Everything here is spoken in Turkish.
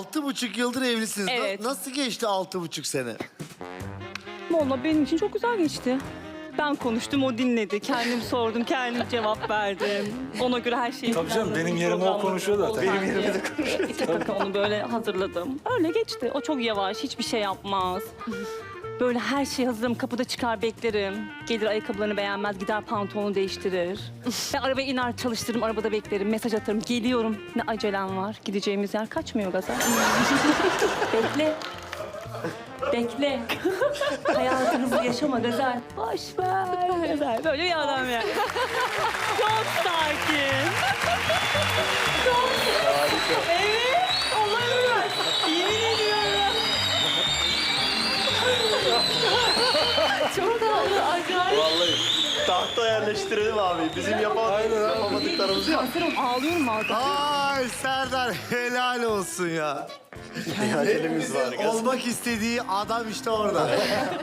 6,5 yıldır evlisiniz. Evet. Nasıl geçti 6,5 sene? Vallahi benim için çok güzel geçti. Ben konuştum, o dinledi. Kendim sordum, kendim cevap verdim. Ona göre her şeyi Tabii canım, benim yerime o programladım. konuşuyor zaten. Benim yerime de konuşuyor. Tabii onu böyle hazırladım. Öyle geçti. O çok yavaş, hiçbir şey yapmaz. Böyle her şey hazırım, kapıda çıkar beklerim. Gelir ayakkabılarını beğenmez, gider pantolonu değiştirir. Ben arabaya iner çalıştırırım, arabada beklerim, mesaj atarım. Geliyorum, ne acelem var. Gideceğimiz yer kaçmıyor gaza. Bekle. Bekle. Hayatınızı yaşama Gazel. Boş ver Gazel. Böyle bir adam yani. Çok sakin. Çok evet. Allah'ım ben. Yemin ediyorum. Çok tatlı, acayip. Vallahi tahta yerleştirelim abi. Bizim yapamadıklarımızı yap. Kanserim, ağlıyorum artık. Ay Serdar helal olsun ya. Bir acelemiz var. Olmak istediği adam işte orada.